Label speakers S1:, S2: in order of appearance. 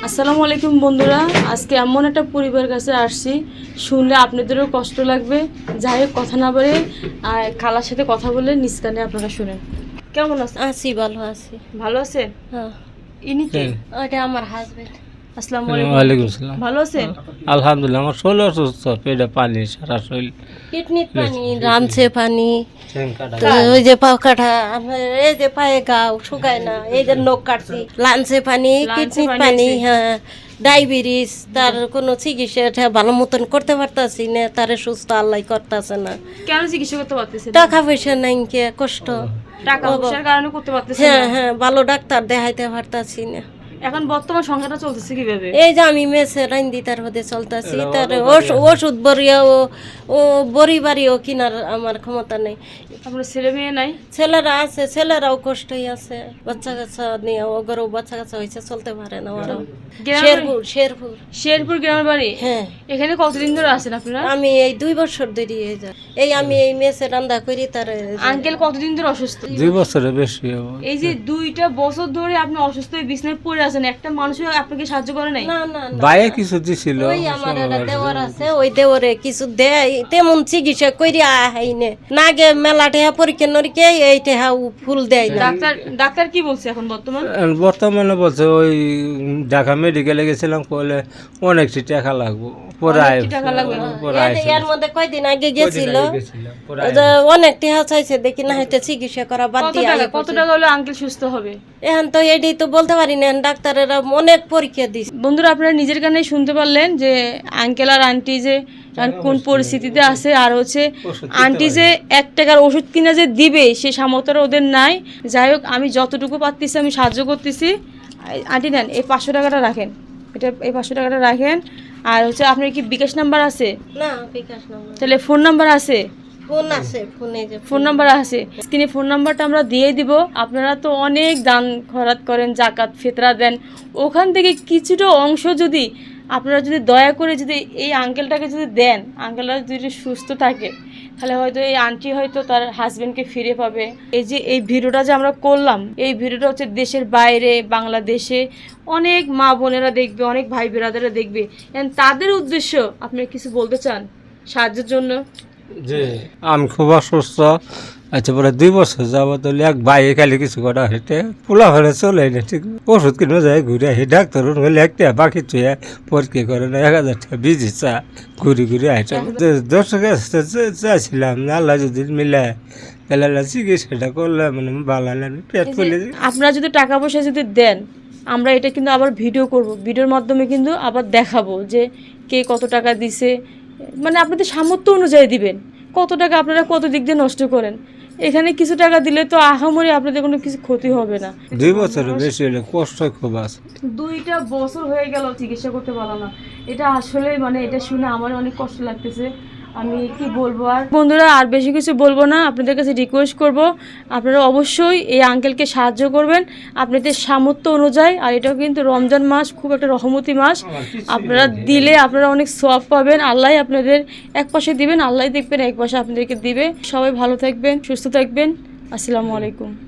S1: আসসালামু আলাইকুম বন্ধুরা, আজকে এমন একটা পরিবারের কাছে আসছি, শুনলে আপনাদেরও কষ্ট লাগবে। যাই হোক, কথা না বলে খালার সাথে কথা বলে নিজ কানে আপনারা শুনেন। কেমন আছেন?
S2: আছি, ভালো আছি।
S1: ভালো আছেন?
S2: হ্যাঁ,
S1: ইনি কে?
S2: ওইটা আমার হাজবেন্ড।
S1: আসসালামু আলাইকুম।
S3: ওয়ালাইকুম আসসালাম।
S1: ভালো আছেন?
S3: আলহামদুলিল্লাহ, আমার শরীর অসুস্থ, পেটে পানি, সারা শরীর
S2: কিডনির পানি, রামছে পানি,
S3: ঠ্যাং
S2: তো ওই যে পাও কাটা, এই যে পায়ে গাও শুকায় না, এই যে নখ কাটছি, লাঞ্চে পানি, কিডনির পানি, হ্যাঁ, ডায়াবেটিস, তার কোনো চিকিৎসা ভালো মতন করতে পারতাছি না, তারে সুস্থ আল্লাহ করতেছে না।
S1: কেন চিকিৎসা করতে পারতেছেন?
S2: টাকা পয়সা নাই, কে কষ্ট।
S1: টাকা পয়সার কারণে করতে পারতেছেন
S2: হ্যাঁ
S1: না?
S2: হ্যাঁ, ভালো ডাক্তার দেখাইতে পারতাছি না।
S1: এখন বর্তমান সংখ্যাটা চলতেছে কিভাবে?
S2: এই যে আমি মেসে রাইন্দি তার মধ্যে চলতেছি, তার ওষুধ বরিয়াও ও বড়ি বাড়িও কিনার আমার ক্ষমতা নেই।
S1: আপনার ছেলে মেয়ে নাই?
S2: ছেলেরা আছে, ছেলেরাও কষ্টই আছে, বাচ্চা কাচ্চা নিয়ে ওগরও বাচ্চা কাচ্চা হয়েছে, চলতে পারে না ওরাও। শেরপুর
S1: শেরপুর গ্রামের বাড়ি?
S2: হ্যাঁ।
S1: এখানে কতদিন ধরে আছেন আপনারা?
S2: আমি এই 2 বছর ধরে এই আমি এই মেসে রান্না করি। তার
S1: আঙ্কেল কতদিন ধরে অসুস্থ?
S3: 2 বছরের বেশি হবে।
S1: এই যে 2টা বছর ধরে আপনি অসুস্থ হয়ে বিছানায় পড়ে আছেন, একটা মানুষও আপনাকে সাহায্য করে নাই?
S2: না না না,
S3: বাইরে কিছু দিছিল,
S2: ওই আমার একটা দেওয়ার আছে, ওই দেওয়ারে কিছু দেয়, তেমন চিকিৎসা করি আহাইনে না গে মেলা টেহা পরীক্ষা নরীক্ষা এই টেহা ফুল দেয় না।
S1: ডাক্তার কি বলছে এখন
S3: বর্তমানে বলছে ওই ঢাকা মেডিকেলে গেছিলাম, বলে অনেকটি টাকা লাগবে, পরে
S2: এর মধ্যে কয়দিন আগে গেছিল, অনেক টেহা চাইছে, দেখি না হয়তো চিকিৎসা করা বাদ দিয়ে।
S1: কত টাকা হলে আঙ্কেল সুস্থ হবে?
S2: এখন তো এটি তো বলতে পারি না, ডাক্তারেরা অনেক পরীক্ষা দিচ্ছে।
S1: বন্ধুরা, আপনারা নিজের কানে শুনতে পারলেন যে আঙ্কেল আর আন্টি যে কোন পরিস্থিতিতে আছে, আর হচ্ছে আন্টি যে 1 টাকার ওষুধ কিনা যে দিবে সে সামর্থ্য ওদের নাই। যাই হোক, আমি যতটুকু পারতেছি আমি সাহায্য করতেছি। আন্টি নেন, এই 500 টাকাটা রাখেন, এই 500 টাকাটা রাখেন। আর হচ্ছে আপনার কি বিকাশ নাম্বার আছে?
S2: না, বিকাশ নাম্বার।
S1: তাহলে ফোন নাম্বার আছে?
S2: ফোন আছে,
S1: ফোন নাম্বার আছে, স্ক্রিনে ফোন নাম্বারটা আমরা দিয়ে দিব। আপনারা তো অনেক দান খয়রাত করেন, জাকাত ফিতরা দেন, ওখান থেকে কিছুটা অংশ যদি আপনারা যদি দয়া করে যদি এই আঙ্কেলটাকে যদি দেন, আঙ্কেলটা যদি সুস্থ থাকে, তাহলে হয়তো এই আন্টি হয়তো তার হাজবেন্ডকে ফিরে পাবে। এই যে এই ভিডিওটা যে আমরা করলাম, এই ভিডিওটা হচ্ছে দেশের বাইরে, বাংলাদেশে অনেক মা বোনেরা দেখবে, অনেক ভাই বেরাদারা দেখবে, তাদের উদ্দেশ্য আপনি কিছু বলতে চান সাহায্যের জন্য?
S3: যে আমি খুব অসুস্থ, আচ্ছা পরে 2 বছর যাবো, তাহলে এক ভাই খালি কিছু করা হেঁটে পোলা ফেলে চলে না, ঠিক ওষুধ কিনে যায় ঘুরে আসি, ডাক্তার হলে একটা বাকি চুয়ে পরীক্ষা করে না, 1000 টাকা বিজি চা ঘুরি ঘুরে আসে। দর্শক চাইছিলাম আল্লাহ যদি মিলে তাহলে চিকিৎসাটা করলে মানে ভালো লাগে, পেট ফুলে।
S1: আপনারা যদি টাকা পয়সা যদি দেন, আমরা এটা কিন্তু আবার ভিডিও করব, ভিডিওর মাধ্যমে কিন্তু আবার দেখাবো যে কে কত টাকা দিছে, মানে আপনাদের সামর্থ্য অনুযায়ী দিবেন। কত টাকা আপনারা কত দিক দিয়ে নষ্ট করেন, এখানে কিছু টাকা দিলে তো আহামরি আপনাদের কোনো কিছু ক্ষতি হবে না।
S3: 2 বছরের বেশি হলে কষ্ট খুব আছে।
S1: 2টা বছর হয়ে গেল চিকিৎসা করতে পারলাম না, এটা আসলে মানে এটা শুনে আমার অনেক কষ্ট লাগতেছে। আমি কি বলবো, আর বন্ধুরা আর বেশি কিছু বলবো না, আপনাদের কাছে রিকোয়েস্ট করব আপনারা অবশ্যই এই আঙ্কেলকে সাহায্য করবেন আপনাদের সামর্থ্য অনুযায়ী। আর এটাও কিন্তু রমজান মাস, খুব একটা রহমতি মাস, আপনারা দিলে আপনারা অনেক সওয়াব পাবেন। আল্লাহ আপনাদের এক পাশে দিবেন, আল্লাহ দেখবেন এক পাশে আপনাদেরকে দিবে। সবাই ভালো থাকবেন, সুস্থ থাকবেন। আসসালামু আলাইকুম।